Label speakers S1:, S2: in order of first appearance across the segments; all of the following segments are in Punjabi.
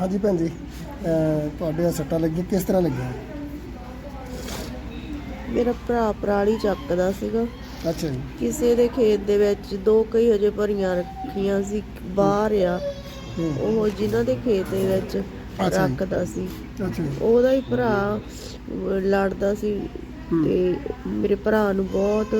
S1: हाँ जी भैन जी ਤੁਹਾਡੇ ਸੱਟਾਂ ਲੱਗੀਆਂ ਕਿਸ ਤਰ੍ਹਾਂ ਲੱਗੀਆਂ?
S2: ਮੇਰਾ ਭਰਾ ਪਰਾਲੀ ਚੱਕਦਾ ਸੀਗਾ।
S1: ਅੱਛਾ ਜੀ।
S2: ਕਿਸੇ ਦੇ ਖੇਤ ਦੇ ਵਿੱਚ 2 ਕਈ ਹਜੇ ਭਰੀਆਂ ਰੱਖੀਆਂ ਸੀ ਬਾਹਰ ਆ, ਉਹ ਜਿਨ੍ਹਾਂ ਦੇ ਖੇਤ ਦੇ ਵਿੱਚ ਰੱਖਦਾ ਸੀ।
S1: ਅੱਛਾ ਜੀ।
S2: ਉਹਦਾ ਹੀ ਭਰਾ ਲੜਦਾ ਸੀ ਤੇ ਮੇਰੇ ਭਰਾ ਨੂੰ ਬਹੁਤ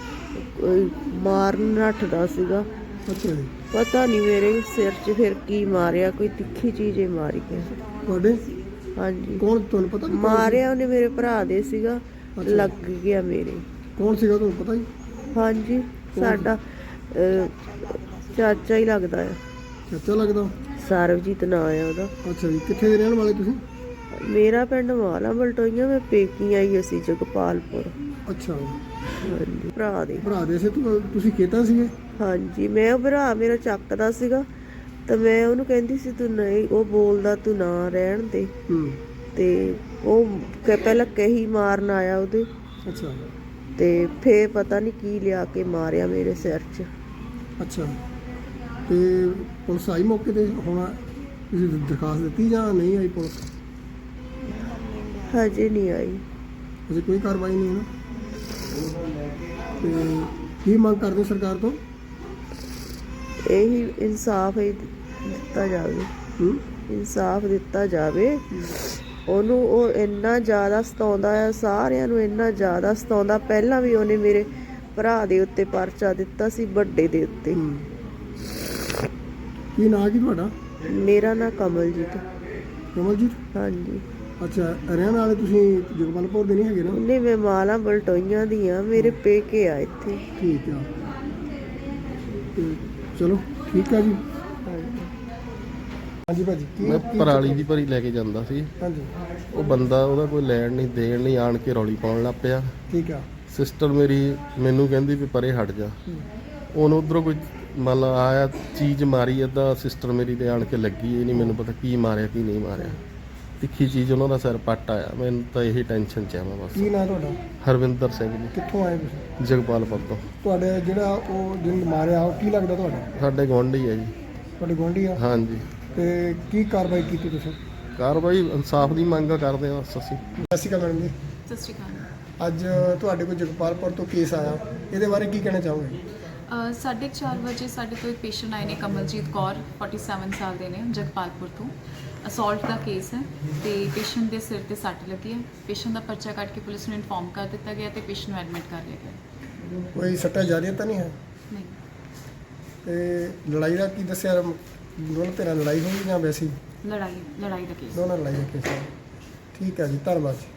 S2: ਮਾਰਨ ਨੱਠਦਾ ਸੀਗਾ।
S1: ਅੱਛਾ ਜੀ।
S2: ਪਤਾ ਨਹੀਂ ਮੇਰੇ ਸਿਰ 'ਚ ਫਿਰ ਕੀ ਮਾਰਿਆ, ਕੋਈ ਤਿੱਖੀ ਚੀਜ਼ ਹੀ ਮਾਰੀ ਗਿਆ।
S1: ਤੁਹਾਡੇ
S2: ਹਾਂਜੀ।
S1: ਕੌਣ ਤੁਹਾਨੂੰ ਪਤਾ?
S2: ਮਾਰਿਆ ਉਹਨੇ ਮੇਰੇ ਭਰਾ ਦੇ ਸੀਗਾ, ਲੱਗ ਗਿਆ ਮੇਰੇ।
S1: ਕੌਣ ਸੀਗਾ ਤੁਹਾਨੂੰ ਪਤਾ ਜੀ?
S2: ਹਾਂਜੀ, ਸਾਡਾ ਚਾਚਾ ਹੀ ਲੱਗਦਾ ਆ।
S1: ਚਾਚਾ ਲੱਗਦਾ?
S2: ਸਰਬਜੀਤ ਨਾਂ ਆ ਉਹਦਾ।
S1: ਅੱਛਾ ਜੀ। ਕਿੱਥੇ ਦੇ ਰਹਿਣ ਵਾਲੇ ਤੁਸੀਂ?
S2: ਮੇਰਾ ਪਿੰਡ ਮਾਲਾ ਬਲਟੋਈਆਂ, ਮੈਂ ਪੇਕੀ ਆਈ ਅਸੀਂ ਜਗਪਾਲਪੁਰ।
S1: ਅੱਛਾ
S2: ਹਾਂਜੀ, ਭਰਾ ਦੇ
S1: ਸੀ। ਤੁਸੀਂ ਖੇਤਾਂ ਸੀਗੇ?
S2: ਹਾਂਜੀ, ਮੈਂ ਉਹ ਭਰਾ ਮੇਰਾ ਚੱਕਦਾ ਸੀਗਾ ਤਾਂ ਮੈਂ ਉਹਨੂੰ ਕਹਿੰਦੀ ਸੀ ਤੂੰ ਨਹੀਂ, ਉਹ ਬੋਲਦਾ ਤੂੰ ਨਾ ਰਹਿਣ ਦੇ। ਤੇ ਉਹ ਪਹਿਲਾਂ ਕਹੀ ਮਾਰਨ ਆਇਆ ਉਹਦੇ।
S1: ਅੱਛਾ।
S2: ਤੇ ਫੇਰ ਪਤਾ ਨਹੀਂ ਕੀ ਲਿਆ ਕੇ ਮਾਰਿਆ ਮੇਰੇ ਸਿਰ 'ਚ।
S1: ਅੱਛਾ। ਤੇ ਪੁਲਿਸ ਆਈ ਮੌਕੇ ਤੇ? ਹੁਣ ਤੁਸੀਂ ਦਰਖਾਸਤ ਦਿੱਤੀ ਜਾਂ ਨਹੀਂ ਆਈ ਪੁਲਿਸ?
S2: ਹਜੇ ਨਹੀਂ ਆਈ।
S1: ਅਜੇ ਕੋਈ ਕਾਰਵਾਈ ਨਹੀਂ ਹੈ ਨਾ? ਤੇ ਕੀ ਮੰਗ ਕਰਦੇ ਸਰਕਾਰ ਤੋਂ?
S2: ਇਹੀ ਇਨਸਾਫ ਹੀ ਦਿੱਤਾ ਜਾਵੇ। ਇਨਸਾਫ ਦਿੱਤਾ ਜਾਵੇ ਉਹਨੂੰ। ਉਹ ਇੰਨਾ ਜ਼ਿਆਦਾ ਸਤਾਉਂਦਾ ਆ, ਸਾਰਿਆਂ ਨੂੰ ਇੰਨਾ ਜ਼ਿਆਦਾ ਸਤਾਉਂਦਾ। ਪਹਿਲਾਂ ਵੀ ਉਹਨੇ ਮੇਰੇ ਭਰਾ ਦੇ ਉੱਤੇ ਪਰਚਾ ਦਿੱਤਾ ਸੀ, ਵੱਡੇ ਦੇ ਉੱਤੇ।
S1: ਕੀ ਨਾਂ ਕੀ ਤੁਹਾਡਾ?
S2: ਮੇਰਾ ਨਾਂ ਕਮਲਜੀਤ।
S1: ਕਮਲਜੀਤ?
S2: ਹਾਂਜੀ।
S1: ਅੱਛਾ, ਰਹਿਣ ਵਾਲੇ ਤੁਸੀਂ ਜਗਪਾਲਪੁਰ ਦੇ ਨਹੀਂ ਹੈਗੇ ਨਾ?
S2: ਨਹੀਂ, ਮੈਂ ਮਾਲਾ ਬਲਟੋਈਆਂ ਦੀ ਆ, ਮੇਰੇ ਪੇਕੇ ਆ ਇੱਥੇ।
S1: ਠੀਕ ਆ। ਤੇ ਚਲੋ ਠੀਕ ਆ ਜੀ। ਹਾਂਜੀ ਭਾਜੀ।
S3: ਮੈਂ ਪਰਾਲੀ ਦੀ ਭਰੀ ਲੈ ਕੇ ਜਾਂਦਾ ਸੀ।
S1: ਹਾਂਜੀ।
S3: ਉਹ ਬੰਦਾ ਉਹਦਾ ਕੋਈ ਲੈਣ ਨਹੀਂ ਦੇਣ ਨਹੀਂ, ਆਣ ਕੇ ਰੌਲੀ ਪਾਉਣ ਲੱਗ ਪਿਆ।
S1: ਠੀਕ ਆ।
S3: ਸਿਸਟਰ ਮੇਰੀ ਮੈਨੂੰ ਕਹਿੰਦੀ ਵੀ ਪਰੇ ਹਟ ਜਾ। ਉਹਨੂੰ ਉੱਧਰੋਂ ਕੋਈ ਮੰਨ ਲਾ ਆਇਆ, ਚੀਜ਼ ਮਾਰੀ ਅੱਧਾ, ਸਿਸਟਰ ਮੇਰੀ ਤੇ ਆਣ ਕੇ ਲੱਗੀ। ਇਹ ਨਹੀਂ ਮੈਨੂੰ ਪਤਾ ਕੀ ਮਾਰਿਆ ਕੀ ਨਹੀਂ ਮਾਰਿਆ। ਤਿੱਖੀ ਚੀਜ਼ ਉਹਨਾਂ ਦਾ ਸਿਰ ਪੱਟ ਆਇਆ। ਮੈਨੂੰ ਤਾਂ ਇਹੀ ਟੈਨਸ਼ਨ 'ਚ ਆ ਮੈਂ ਬਸ।
S1: ਕੀ ਨਾਂ ਤੁਹਾਡਾ?
S3: ਹਰਵਿੰਦਰ ਸਿੰਘ ਜੀ।
S1: ਕਿੱਥੋਂ ਆਏ ਤੁਸੀਂ?
S3: ਜਗਪਾਲਪੁਰ ਤੋਂ।
S1: ਤੁਹਾਡੇ ਜਿਹੜਾ ਉਹ ਜਿਹਨੂੰ ਮਾਰਿਆ ਉਹ ਕੀ ਲੱਗਦਾ ਤੁਹਾਡਾ?
S3: ਸਾਡੇ ਗੁਆਂਢੀ ਹੈ ਜੀ।
S1: ਤੁਹਾਡੇ ਗੁਆਂਢੀ ਆ?
S3: ਹਾਂਜੀ।
S1: ਤੇ ਕੀ ਕਾਰਵਾਈ ਕੀਤੀ ਤੁਸੀਂ?
S3: ਕਾਰਵਾਈ ਇਨਸਾਫ ਦੀ ਮੰਗ ਕਰਦੇ ਹਾਂ ਬਸ ਅਸੀਂ।
S1: ਸਤਿ ਸ਼੍ਰੀ ਅਕਾਲ ਮੈਡਮ ਜੀ।
S4: ਸਤਿ ਸ਼੍ਰੀ ਅਕਾਲ।
S1: ਅੱਜ ਤੁਹਾਡੇ ਕੋਲ ਜਗਪਾਲਪੁਰ ਤੋਂ ਕੇਸ ਆਇਆ, ਇਹਦੇ ਬਾਰੇ ਕੀ ਕਹਿਣਾ ਚਾਹੋਗੇ?
S4: 4:30 ਵਜੇ ਸਾਡੇ ਕੋਲ ਇੱਕ ਪੇਸ਼ੈਂਟ ਆਏ ਨੇ, ਕਮਲਜੀਤ ਕੌਰ, 47 ਸਾਲ ਦੇ ਨੇ, ਜਗਪਾਲਪੁਰ ਤੋਂ। ਅਸੌਲਟ ਦਾ ਕੇਸ ਹੈ ਤੇ ਪੇਸ਼ੈਂਟ ਦੇ ਸਿਰ ਤੇ ਸੱਟ ਲੱਗੀ ਹੈ। ਪੇਸ਼ੈਂਟ ਦਾ ਪਰਚਾ ਕੱਟ ਕੇ ਪੁਲਿਸ ਨੂੰ ਇਨਫੋਰਮ ਕਰ ਦਿੱਤਾ ਗਿਆ ਤੇ ਪੇਸ਼ੈਂਟ ਨੂੰ ਐਡਮਿਟ ਕਰ ਲਿਆ ਗਿਆ।
S1: ਕੋਈ ਸੱਟਾ ਜਾਰੀ ਤਾਂ ਨਹੀਂ ਹੈ?
S4: ਨਹੀਂ।
S1: ਤੇ ਲੜਾਈ ਦਾ ਕੀ ਦੱਸਿਆ? ਦੋਨੋਂ ਧਿਰਾਂ ਲੜਾਈ ਹੋਈ ਜਾਂ ਵੈਸੇ ਹੀ?
S4: ਲੜਾਈ ਦਾ ਕੇਸ।
S1: ਦੋਨਾਂ ਲੜਾਈ ਦਾ ਕੇਸ ਹੈ। ਠੀਕ ਹੈ ਜੀ, ਧੰਨਵਾਦ ਜੀ।